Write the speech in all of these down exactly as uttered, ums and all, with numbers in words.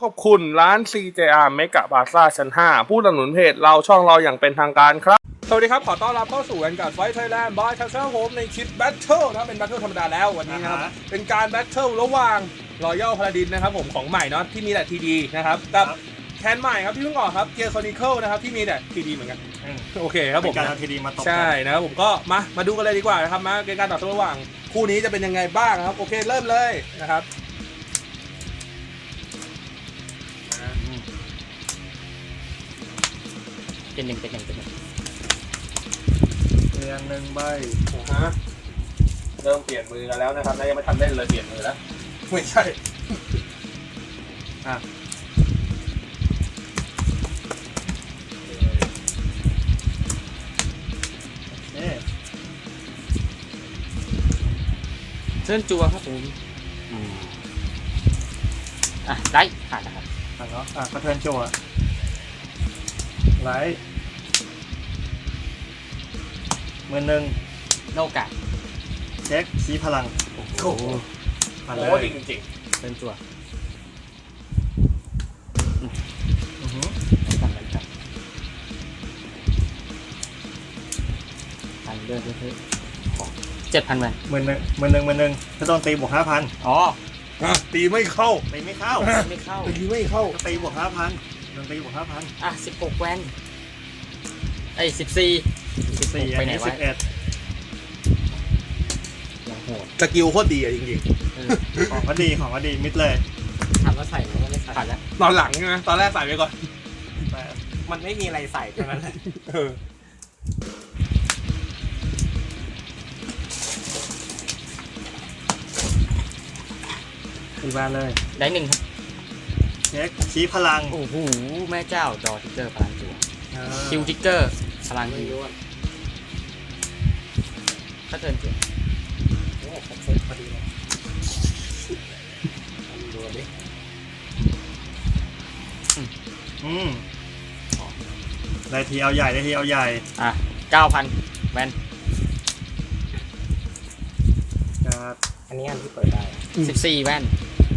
ขอบคุณร้าน ซี เจ อาร์ Mega Plaza ชั้น ห้า ผู้สนับสนุนเพจเราช่องเราอย่างเป็นทางการครับสวัสดีครับขอต้อนรับเข้าสู่การไฟท์ไทยแลนด์บายแคสเซิลโฮมในคลิปแบทเทิลนะครับเป็นแบทเทิลธรรมดาแล้ววันนี้นะครับ uh-huh. เป็นการแบทเทิลระหว่างรอยัลพาราดินนะครับผมของใหม่เนาะที่มีแต่ทีดีนะครับกับแคนใหม่ครับที่เพิ่งออกครับเกียร์คอนิเคิลนะครับที่มีแต่ทีดีเหมือนกันโอเคครับผมการทำทีดีมาตกใช่นะครับผมก็มามาดูกันเลยดีกว่านะครับมาเป็นการต่อสู้ระหว่างคู่นี้จะเป็นยังไงบ้างครับโอเคเริ่มเลยนะครับเป็นหนึ่งเป็นหนึ่งเป็นหนึ่งเรียงหนึ่งใบฮะเริ่มเปลี่ยนมือกันแล้วนะครับแล้วยังไม่ทันเล่นเลยเปลี่ยนมือแล้วไม่ใช่อ่ะเชิญจัวครับผมอ่ะได้ผ่านนะครับผ่านเนาะอ่ะกระเทินจัวไลท์มือหนึ่งโนกะเช็คชี้พลังโอ้โหผ่านเลยจริงจริงเชิญจัวอือหือผ่านเลยครับผ่านเดินเรื่อยๆเจ็ดพันแวนมือหนึ่งมือหนึ่งมือหนึ่งถ้าต้องตีบวกห้าพันอ๋อตีไม่เข้าตีไม่เข้าไม่เข้าตีไม่เข้าตีบวกห้าพันโดนตีบวกห้าพันอ่ะสิบหกแวนไอ้สิบสี่สิบสี่ไปไหนวะสิบเอ็ดอย่างโหดสกิลโคตรดีอ่ะจริงๆของก็ดีของก็ดีมิดเลยถามว่าใส่ไหมว่าไม่ใส่ผ่านแล้วตอนหลังใช่ไหมตอนแรกใส่ไปก่อนมันไม่มีอะไรใส่แค่นั้นแหละตีบ้านเลยได้หนึ่งครับเช็คชี้พลังโอ้โหแม่เจ้าดอทิกเกอร์พลังจั่วคิวทิกเกอร์พลังคิวถ้าเทินจั่วโอ้ผมเซ็ตพอดีเลยดูดิอืมได้ทีเอาใหญ่ได้ทีเอาใหญ่อ่ะเก้าพันแวนครับอันนี้อันที่เปิดได้สิบสี่แวน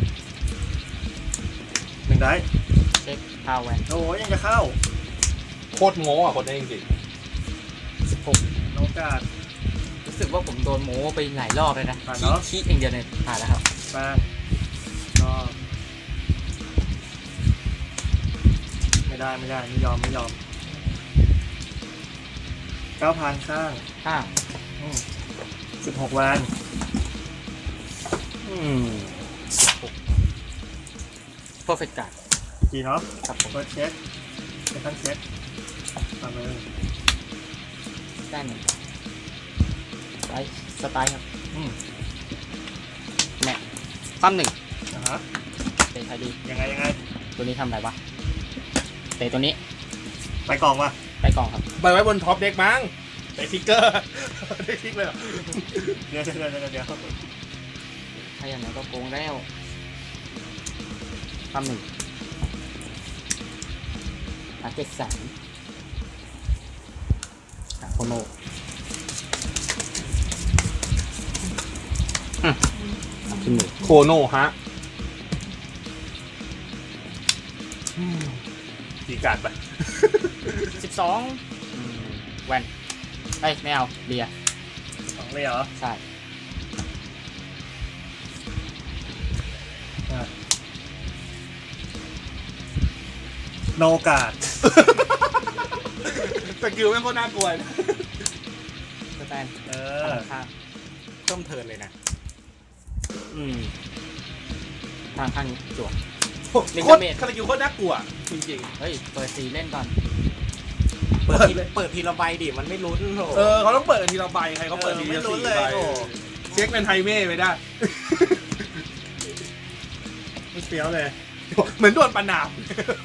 หนึ่งได้เช็คพาวแวนโอ้ยยังจะเข้าโคตรโง่อ่ะคนนี้จริงๆสิบหกน้องกาดรู้สึกว่าผมโดนโม้ไปหลายรอบเลยนะขี้ขี้เองเดียวเนี่ยผ่านแล้วครับแป้งก็ไม่ได้ไม่ได้ไม่ยอมไม่ยอมเก้าพันข้างห้าสิบหกวันอืมสิบหกเพอร์เฟกต์การ์ดกี่เนาะครับผมเปิดเช็คเช็คทั้งเช็คทำเลยได้หนึ่งไลท์สไตล์ครับอืมแม่ซ้ำหนึ่งนะฮะเตะไทยดียังไงยังไงตัวนี้ทำอะไรวะเตะตัวนี้ไปกล่องวะไปกล่องครับไปไว้บนท็อปเด็กมั้งไปทิกเกอร์ได้ทิกเลยเดี๋ยวเดี๋ยวเดี๋ยวเดี๋ยวถ้าอย่างนั้นก็โกงแล้วซ้ำหนึ่งอาเจ็ดสามโคโนขึ้นมือโคโนฮะดีการ์ดไปสิบสองแวนเอ้ยไม่เอาเลียสองเลยเหรอใช่โนกาดสกิลไม่ค่อยน่ากลัวนะสแตนเออข้างเพิ่มเทิร์นเลยนะอืมทางข้างนี้จั่วลิงเมทสกิลโคตรน่ากลัวจริงๆเฮ้ยเปิดสีเล่นก่อนเปิดเปิดทีละใบดิมันไม่ลุ้นโหเออเขาต้องเปิดทีละใบใครเขาเปิดทีละสี่ใบเช็คเป็นไฮเม่ไปได้ไม่เฟี้ยวเลยเหมือนโดนปนาม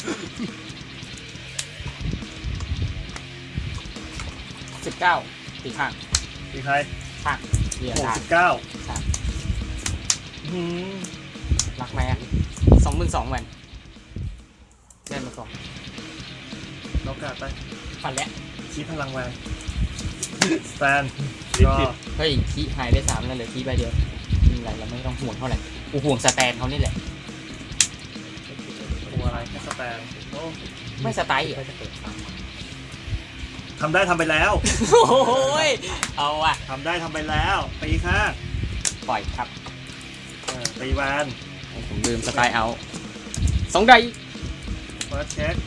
สิบเก้าตีข้างตีใครข้างเรียนสิบเก้ารักแม่สองหมื่นสองแวนเล่นมาสองเรากาดไปฟันแล้วชี้พลังแวนสแตนก็เฮ้ยขี้หายได้สามแล้วเหลือขี้ใบเดียวอะไรเราไม่ต้องห่วงเท่าไหร่กูห่วงสแตนเขานี่แหละโอ้แค่สแตนโอ้ไม่สไตล์เหรอก็จะเปิดตามมาทำได้ทำไปแล้วโอ้ยเอาว่ะทำได้ทำไปแล้วตีข้างปล่อยครับเออตีแวนผมลืมสไตล์เอาสองไดเฟิร์สเช็ค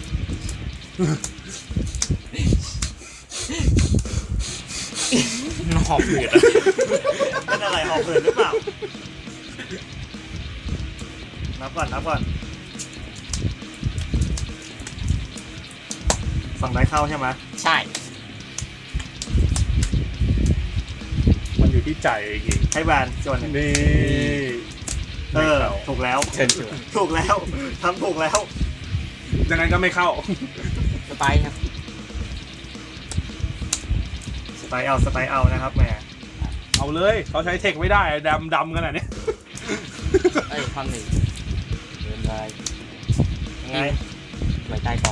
หอบหืดเป็นอะไรหอบหืดหรือเปล่านับก่อนนับก่อนฝั่งได้เข้าใช่ไหมใช่มันอยู่ที่ใจจริงให้แวนส่วนหนึ่งนี่เออถูกแล้วเชิญชวนถูกแล้วทำถูกแล้วดังนั้นก็ไม่เข้าสไตล์ครับสไตล์เอาสไตล์เอานะครับแหมเอาเลยเขาใช้เทคไม่ได้ดำดำขนาดนี้เอ้ยความหนึ่งเดินไปยังไงไว้ใต้กล่อง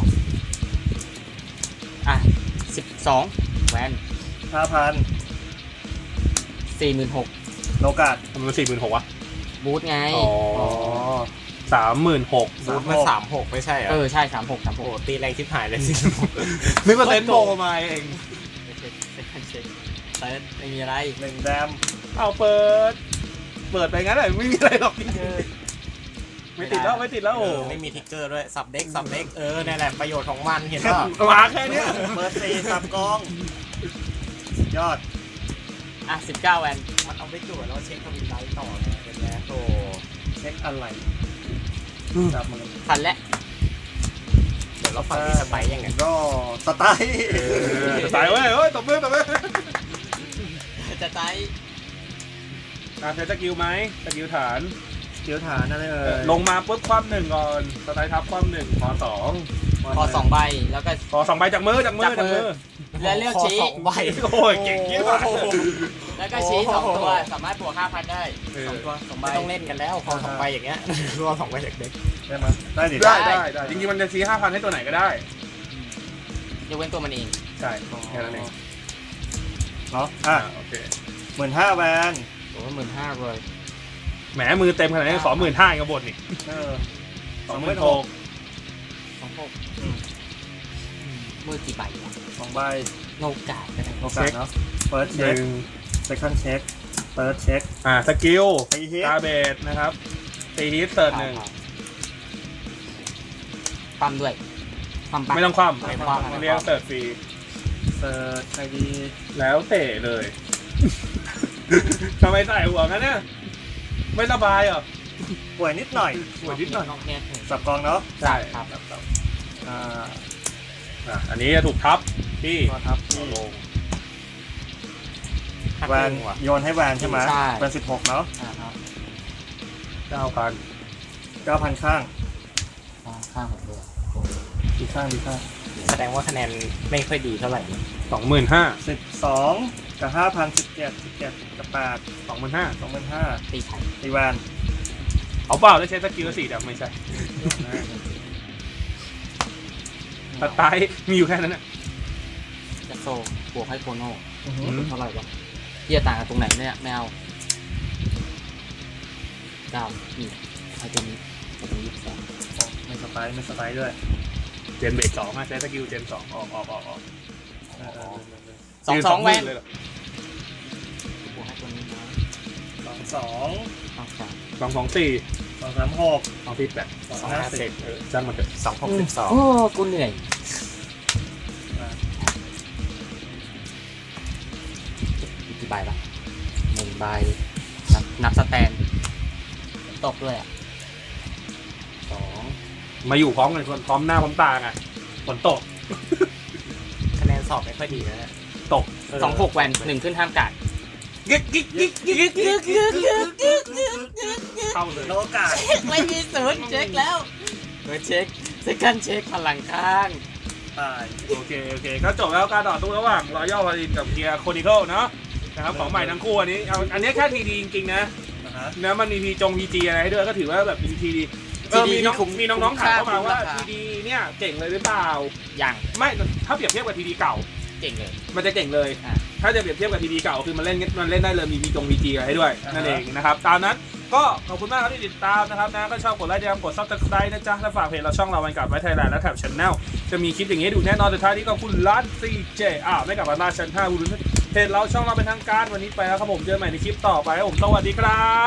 อ่ะสิบสองแวนห้าพันสี่หมื่นหกโลกาดทำไมมันสี่หมื่นหกวะบูทไงอ๋อสามหมื่นหกบูธมันสามหกไม่ใช่เหรเอออใช่สามหกสามหโอ้กตีแรงทิพหายเลยสินึกว่าเต็นโบมาเองเช็คเช็คเช็คเซิร์ชไม่มีอะไรหนึ่งแดมเอาเปิด เปิดไปงั้นเลยไม่มีอะไรหรอกจริงๆไม่ติดแล้วไม่ติดแล้วเอโอ้อไม่มีทิกเกอร์ด้วยสับเด็กสับเด็กเออนั่นแหละประโยชน์ของมันเห็นป่ะมาแค่เนี้ยเปิดสี่สับกองสุดยอดอ่ะสิบเก้าแวนมันเอาไปตรวจแล้วเช็คทวินไลท์ต่อไงเป็นไงโอ้เช็คอะไรจับมือพันและเดี๋ยวเราฟังที่สไปร์ยังไงก็สไตล์สไตล์เว้ยเฮ้ยตบมือตบมือจะใจอ่ะใช้สกิลไหมสกิลฐานเกี่ยวฐานอะไรเอ่ยลงมาปุ๊บคว่ำหนึ่งก่อนสไตล์ทับคว่ำหนึ่งขอสองพอสองใบแล้วก็ขอสองใบจากมือจากมือจากจากมืมืออและเลือกชี้สองใบโอ้ยเก่งยิ่งกว่าแล้วก็ชี้สองตัวสามารถบวกห้าพันได้เออสองตัวสองใบไม่ต้องเล่นกันแล้วพอสองใบอย่างเงี้ยรอสองใบจากเด็กได้ไหมได้ดิได้ได้ได้จริงๆมันจะชี้ห้าพันให้ตัวไหนก็ได้ยกเว้นตัวมันเองใช่แค่นั้นเองเนาะอ่ะอ่ะโอเคหมื่นห้าแวนโอ้หมื่นห้าเลยแหมมือเต็มขนาดนี้ขอหมื่นห้ากับบทนี่เออสองหมื่นหกสองหกอืมมือกี่ใบวะสองใบโนกาดก็ได้โลกาดเนาะเฟิร์สหเช็คนึ่งเซคันด์เช็คเฟิร์สเช็คอ่าสกิลตีฮิตกาเบดนะครับตีฮิตเสิร์ชหนึ่งความด้วยความปักไม่ต้องคว่ำไม่คว่ำเรียกเสิร์ชฟรีเซิร์ชไอดีแล้วเตะเลย ทำไมใส่หัวงั้นเนี่ยไม่สบายเหรอป่วยนิดหน่อยหัวนิดหน่อยนอกเนี่ยสับกองเนาะใช่ครับอ่าอ่ะอันนี้จะถูกทับที่ก็ทับที่ลงแวนโยนให้แวนใช่ไหมใช่แวนสิบหกเนาะอ่าครับเก้าพันเก้าพันข้างอ่าข้างผมด้วยดีข้างดีข้างแสดงว่าคะแนนไม่ค่อยดีเท่าไหร่สองหมื่นห้าสิบสองกับห้าพันสิบเจ็ดสิบเจ็ดกับแปดสองหมื่นห้าสองหมื่นห้าตีไข่ตีแวนเอาเปล่าแล้วใช้สกิลสี่ดับไม่ใช่สไตล์มีอยู่แค่นั้นน่ะจะโซบวกให้โคโน่อื้อหือมเท่าไหร่วะเยี่ยต่างกันตรงไหนเนี่ยไม่เอาเก้านี่เอาตัวนี้ตัวนี้ยี่สิบสองไม่สไปร์ไม่สไปร์ด้วยเจนเบรกสองอ่ะใช้สกิลเจนสองออกออกออกออกเออเออเออเออสองสองแวนเลยเหรอบวกให้ตัวนี้นะสองสองสองสามสองสองสี่สองสามหกสองสี่แปดสองห้าสิบเออจ้างมันเถอะสองหกสิบสองโอ้กูเหนื่อยกี่ใบละหนึ่งใบนับนับสแตนตกด้วยอ่ะสองมาอยู่พร้อมกันพร้อมหน้าพร้อมตาไงฝนตกคะแนนสอบไม่ค่อยดีนะเนี่ยตกสองหกแวนหนึ่งขึ้นห้ามกัดกิ๊กกิ๊กกิ๊กกิ๊กกิ๊กเข้าเลยโลกาดไม่มีศูนย์เช็คแล้วเออเช็คเซคันเช็คพลังข้างตายโอเคโอเคก็จบแล้วการต่อสู้ระหว่างรอยัลพารินกับเกียร์โคนิเคิลเนาะนะครับของใหม่ทั้งคู่อันนี้เอาอันนี้แค่ทีดีจริงๆนะนะฮะนะมันมีพีจงพีจีอะไรให้ด้วยก็ถือว่าแบบเป็นทีดีเออมีน้องมีน้องๆถามเข้ามาว่าทีดีเนี่ยเจ๋งเลยหรือเปล่าอย่างไม่ถ้าเปรียบเทียบกับทีดีเก่าเก่งเลยมันจะเก่งเลยอ่ะถ้าจะเปรียบเทียบกับทีวีเก่าคือมันเล่นมันเล่นได้เลยมีมีจงมีจีอะไรให้ด้วยนั่นเองนะครับตามนั้นก็ขอบคุณมากครับที่ติดตามนะครับนะก็ชอบกดไลค์กดซับสไครต์นะจ๊ะและฝากเพจเราช่องเราวันกับไว้ไทยแลนด์และแถบชแนลจะมีคลิปอย่างนี้ดูแน่นอนสุดท้ายนี้ก็คุณร้าน ซี เจ อ่าไม่กับบาซ่าชั้นห้าเพจเราช่องเราเป็นทางการวันนี้ไปแล้วครับผมเจอกันใหม่ในคลิปต่อไปครับผมสวัสดีครับ